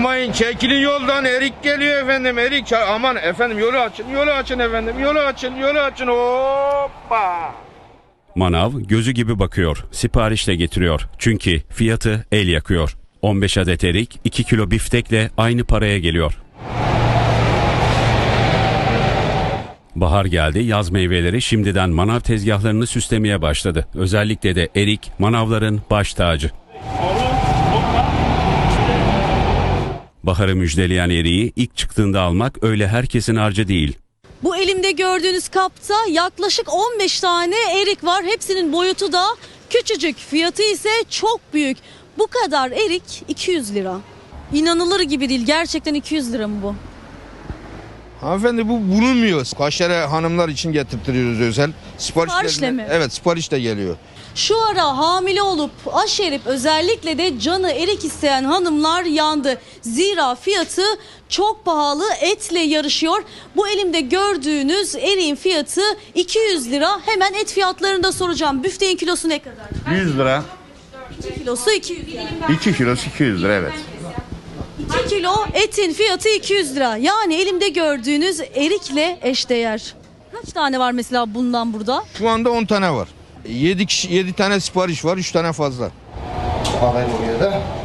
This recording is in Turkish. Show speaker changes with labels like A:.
A: Yapmayın, çekilin yoldan, erik geliyor efendim, erik. Aman efendim, yolu açın efendim, yolu açın, hoppa.
B: Manav gözü gibi bakıyor, siparişle getiriyor. Çünkü fiyatı el yakıyor. 15 adet erik, 2 kilo biftekle aynı paraya geliyor. Bahar geldi, yaz meyveleri şimdiden manav tezgahlarını süslemeye başladı. Özellikle de erik, manavların baş tacı. Baharı müjdeleyen eriği ilk çıktığında almak öyle herkesin harcı değil.
C: Bu elimde gördüğünüz kapta yaklaşık 15 tane erik var. Hepsinin boyutu da küçücük. Fiyatı ise çok büyük. Bu kadar erik 200 lira. İnanılır gibi değil. Gerçekten 200 lira mı bu?
A: Hanımefendi, bu bulunmuyor. Kaşere hanımlar için getirtiyoruz özel.
C: Siparişle mi?
A: Evet, siparişle geliyor.
C: Şu ara hamile olup aşerip özellikle de canı erik isteyen hanımlar yandı. Zira fiyatı çok pahalı, etle yarışıyor. Bu elimde gördüğünüz eriğin fiyatı 200 lira. Hemen et fiyatlarını da soracağım. Büfteğin kilosu ne kadar?
D: 100 lira.
C: 2 kilosu 200 lira.
D: 2 kilosu 200 lira, evet.
C: 2 kilo etin fiyatı 200 lira. Yani elimde gördüğünüz erikle eşdeğer. Kaç tane var mesela bundan burada?
A: Şu anda 10 tane var. 7 tane sipariş var, 3 tane fazla.
D: Alayım oraya da.